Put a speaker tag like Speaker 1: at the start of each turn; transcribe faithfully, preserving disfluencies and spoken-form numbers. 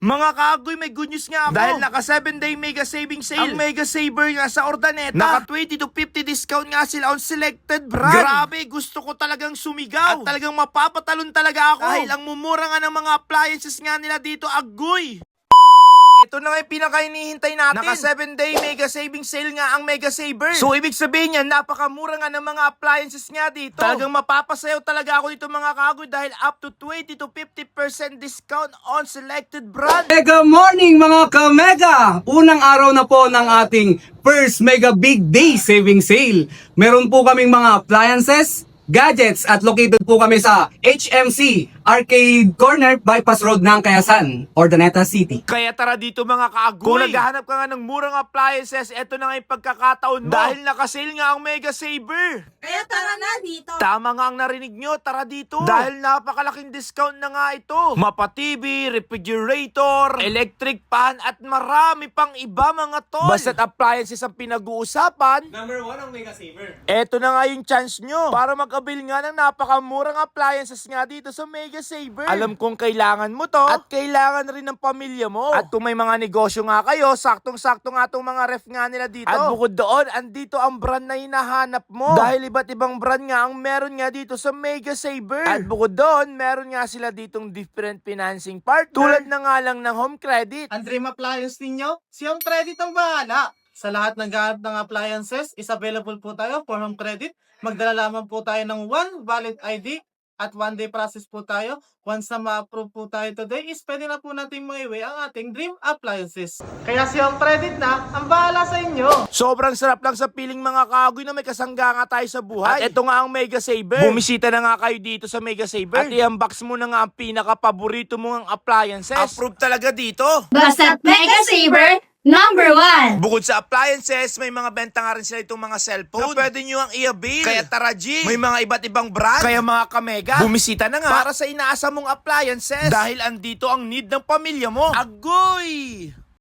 Speaker 1: Mga kaagoy, may good news nga ako. Dahil naka seven day mega saving sale. Ang mega saver nga sa Ordaneta. Naka twenty to fifty discount nga sila on selected brand. Grabe, gusto ko talagang sumigaw. At talagang mapapatalon talaga ako. Dahil ang mumura nga ng mga appliances nga nila dito, agoy. Ito na nga yung pinaka-hinihintay natin. Naka seven day mega saving sale nga ang Mega Saver. So, ibig sabihin niya, napakamura nga ng mga appliances nga dito. Talagang mapapasayaw talaga ako dito mga kagoy dahil up to twenty to fifty percent discount on selected brand.
Speaker 2: Mega morning mga ka-mega! Unang araw na po ng ating first Mega Big Day Saving Sale. Meron po kaming mga appliances, gadgets at located po kami sa H M C Arcade Corner, Bypass Road ng Kayasan, Ordaneta City.
Speaker 1: Kaya tara dito mga kaagoy. Kung naghahanap ka nga ng murang appliances, eto na nga yung pagkakataon mo. Dahil nakasale nga ang Mega Saver.
Speaker 3: Kaya tara na dito.
Speaker 1: Tama nga ang narinig nyo, tara dito. Dahil napakalaking discount na nga ito. Mapa-T V, refrigerator, electric pan, at marami pang iba mga tol. Basta't appliances ang pinag-uusapan,
Speaker 2: Number one ang Mega Saver.
Speaker 1: eto na nga yung chance nyo para mag-avail nga ng napakamurang appliances nga dito sa Mega Saver. Alam kong kailangan mo to at kailangan rin ng pamilya mo. At kung may mga negosyo nga kayo, saktong-sakto nga itong mga ref nga nila dito. At bukod doon, andito ang brand na hinahanap mo. Dahil iba't ibang brand nga ang meron nga dito sa Mega Saver. At bukod doon, meron nga sila ditong different financing partner. Tulad na nga lang ng home credit.
Speaker 4: Ang dream appliance ninyo, si Home Credit ang bahala. Sa lahat ng gamit ng appliances, is available po tayo for Home Credit. Magdala lamang po tayo ng one valid I D at one day process po tayo. Once na ma-approve po tayo today, is pwede na po natin maiwi ang ating dream appliances. Kaya si Home Credit na ang bahala sa inyo.
Speaker 1: Sobrang sarap lang sa piling mga kagoy na may kasangga nga tayo sa buhay. At ito nga ang Mega Saver. Bumisita na nga kayo dito sa Mega Saver. At i-unbox mo na nga ang pinaka-paborito mong appliances. Approve talaga dito.
Speaker 3: Basta't Mega Saver, number one.
Speaker 1: Bukod sa appliances, may mga benta nga rin sila itong mga cellphone na pwede nyo ang i-avail. Kaya tara G, may mga iba't ibang brand. Kaya mga kamega, bumisita na nga para sa inaasa mong appliances. Dahil andito ang need ng pamilya mo. Agoy!